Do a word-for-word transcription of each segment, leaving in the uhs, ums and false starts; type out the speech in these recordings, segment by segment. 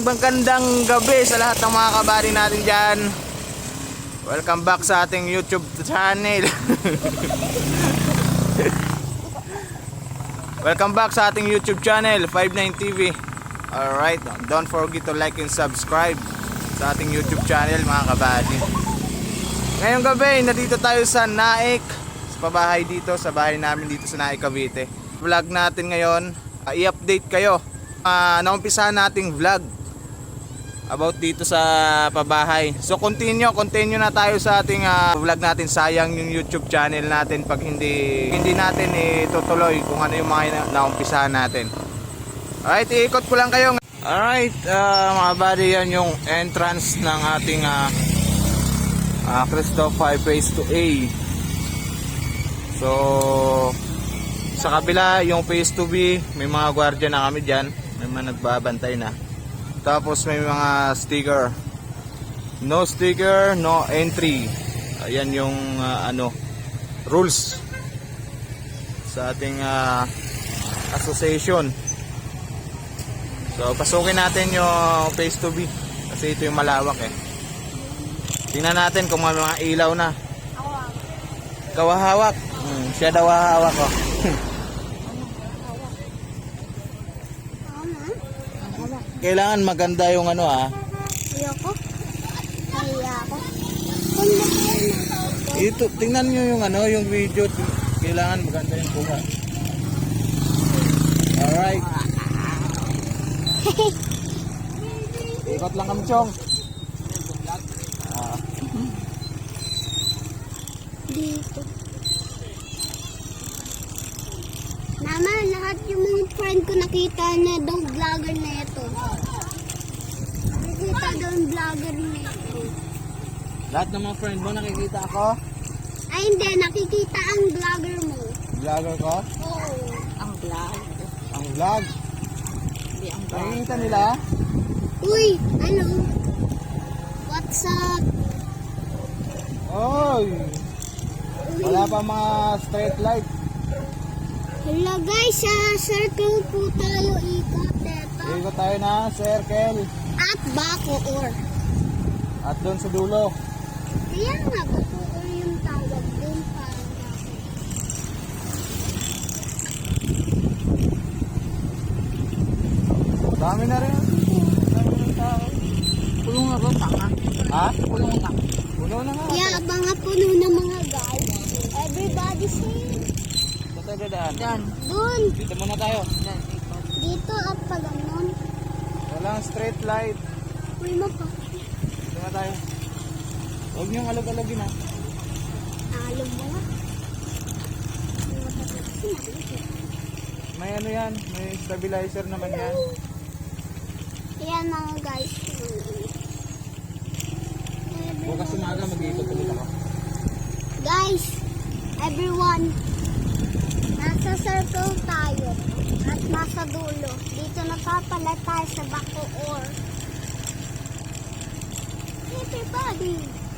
magandang gabi sa lahat ng mga kabady natin dyan. Welcome back sa ating YouTube channel. Welcome back sa ating YouTube channel, five nine T V. Alright, don't forget to like and subscribe sa ating YouTube channel mga kabady. Ngayong gabi, nandito tayo sa Naik, sa pabahay dito, sa bahay namin dito sa Naik, Cavite. Vlog natin ngayon, uh, i-update kayo. Uh, naumpisahan nating vlog about dito sa pabahay. So continue, continue na tayo sa ating uh, vlog natin. Sayang yung YouTube channel natin pag hindi hindi natin itutuloy kung ano yung mga naumpisahan natin. Alright, iikot ko lang kayo. Alright, uh, mga buddy, yan yung entrance ng ating uh, uh, Cristo five Phase two A. So sa kabila yung Phase two B, may mga gwardiya na kami dyan, may mga nagbabantay na. Tapos may mga sticker, no sticker, no entry. Ayan yung uh, ano rules sa ating uh, association. So pasukin natin yung Phase two B kasi ito yung malawak eh. Tingnan natin kung may mga ilaw na. Kawahawak. Hmm, siya daw hawak ko. Kailangan maganda yung ano ah. Ayoko. Kaya ako. Ito, tingnan nyo yung ano, yung video. Kailangan maganda yung kuha. Alright. Ikot lang kami, Chong. Ah. Dito. Mama, lahat yung mga friend ko nakita na daw vlogger na ito. Nakikita daw yung vlogger na ito. Lahat ng mga friend mo nakikita ako? Ay hindi, nakikita ang vlogger mo. Vlogger ko? Oo. Ang vlog. Ang vlog? Hindi ang vlog. Nakikita nila? Uy, ano? What's up? Oy! Wala pa mga straight light. Hello guys, sa circle po tayo ikot ito. Ikot tayo na circle. At Bacoor. At doon sa dulo. Kaya nga, Bacoor yung tawag doon parang Bacoor. Dami na rin. Dami ng tao. Pulong nga ba? Tanga. Ha? Pulong nga. Puno na nga. Kaya mga puno na mga guys. Everybody say. Saan tayo dadaan? Yan. Doon. Dito muna tayo. Yan. Ikot. Dito at pag ganon. Walang straight light. Uy mo pa. Dito na tayo. Huwag niyong alog-alogin ha. Alog mo nga. May ano yan. May stabilizer naman yan. Ayan mga guys. Bukas umaga mag-iikot ulit ako. Guys, everyone. Nasa circle tayo. At nasa dulo. Dito napapala tayo sa Bacoor. Everybody.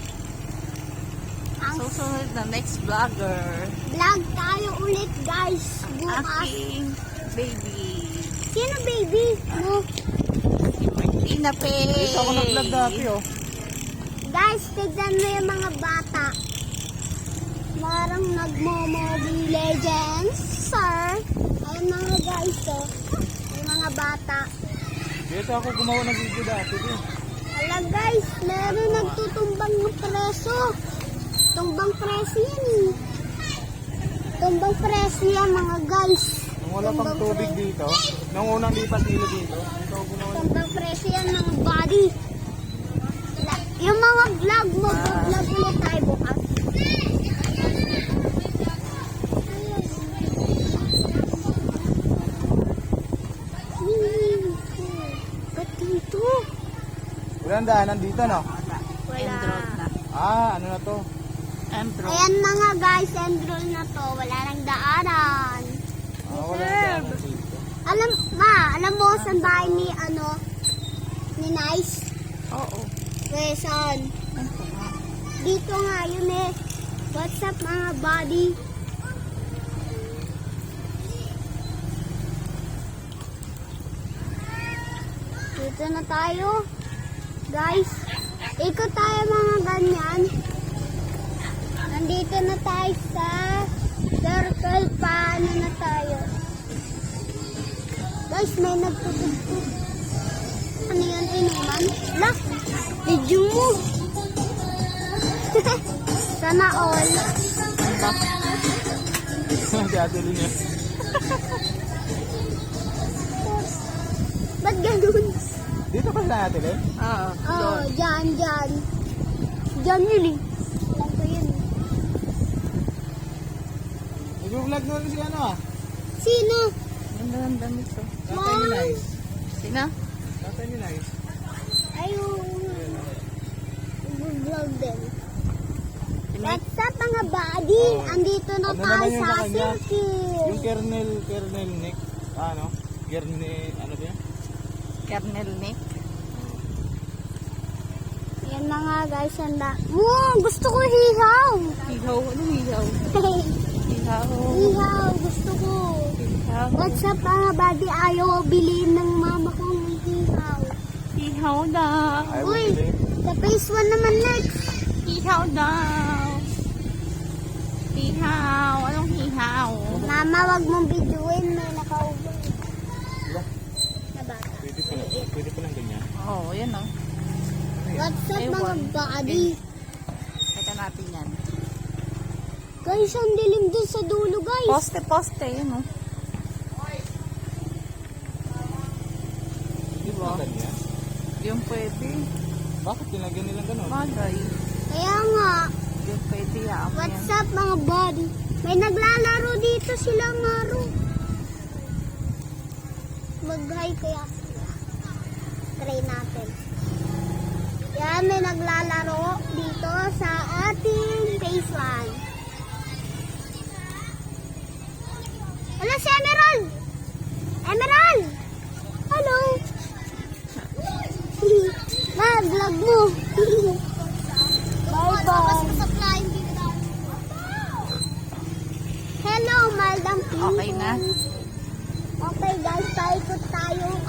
Ang Susunod na next vlogger. vlog tayo ulit guys. Bukas. Aking baby. Sino baby? Mo. Martina Pay. Dito ako nag-vlog dati oh. Guys, tignan mo yung mga bata. Marang nagmo-Mobile Legends, sir. Ayun mga guys, oh. Yung mga bata. Dito ako gumawa ng video dati eh. Hala guys, meron nagtutumbang ng preso. Tumbang preso yan eh. Tumbang preso yan mga guys. Nung wala pang tubig dito, nung unang lipat nila dito, dito ako gumawa ng Tumbang preso yan mga body. Yung mga vlog mo, vlog ulit tayo bukas. Ba't dito? Walang daanan dito no? Enroll na. Ah, ano na to? Enroll. Ayan mga guys, enroll na to. Wala nang daanan. Ah, wala daanan dito. Alam, ma, alam mo saan bahay ni, ano, ni Nice? Oo. Quezon. Dito nga, yun eh. What's up mga buddy? Dito na tayo. Guys, ikot tayo mga ganyan. Nandito na tayo sa circle. Paano na tayo? Guys, may nagtutugtog. Ano yan, inuman? La, video mo. Sana all. Si Ate Lynn yun. Ba't ganun? Dito pa sa Ate Lynn? Oo. Oo, oh, dyan, dyan. Dyan yun eh. Alam ko yun. Nag-vlog na rin si ano ah. Sino? Ganda ng damit ko. Tatay ni Nice. Sino? Tatay ni Nice. Ayun. Vlog din. Sinig? What's up mga buddy? Oh. Andito na Ano tayo naman yung sa sa kanya? circle. Yung kernel, kernel Nick. Ah, ano? Kernel, ano ba yan? Kernel Nick. Yan na nga guys, handa. Wow, gusto ko hihaw. Hihaw. Ano hihaw? Hihaw. Hihaw, gusto ko. Hihaw. What's up mga buddy? Ayaw bilhin ng mama kong hihaw. Hihaw daw. Ayaw mo Uy, bili. sa phase one naman next. Hihaw daw. Hihaw. Anong hihaw? Mama, wag mong videoin. May nakaubo. Diba? Na bata. Pwede pa lang, pwede pa lang ganyan. Oo, oh, yan o. What's up Ayun. mga buddy? Teka natin yan. Guys, ang dilim dun sa dulo guys. Poste, poste. Yun o. Di ba? Ganyan. Yung pwede. Bakit nilagyan nilang ganun? Bagay. Kaya nga, Yung pwede yaam yan. what's up mga buddy? May naglalaro dito sila Maro. Mag-hi kaya sila. Try natin. Yan, may naglalaro dito sa ating phase one. Hello si Emerald! Emerald! Hello! Ma, vlog mo! Bye-bye! Hello, Maldang people! Okay na? Okay guys, paikot tayo.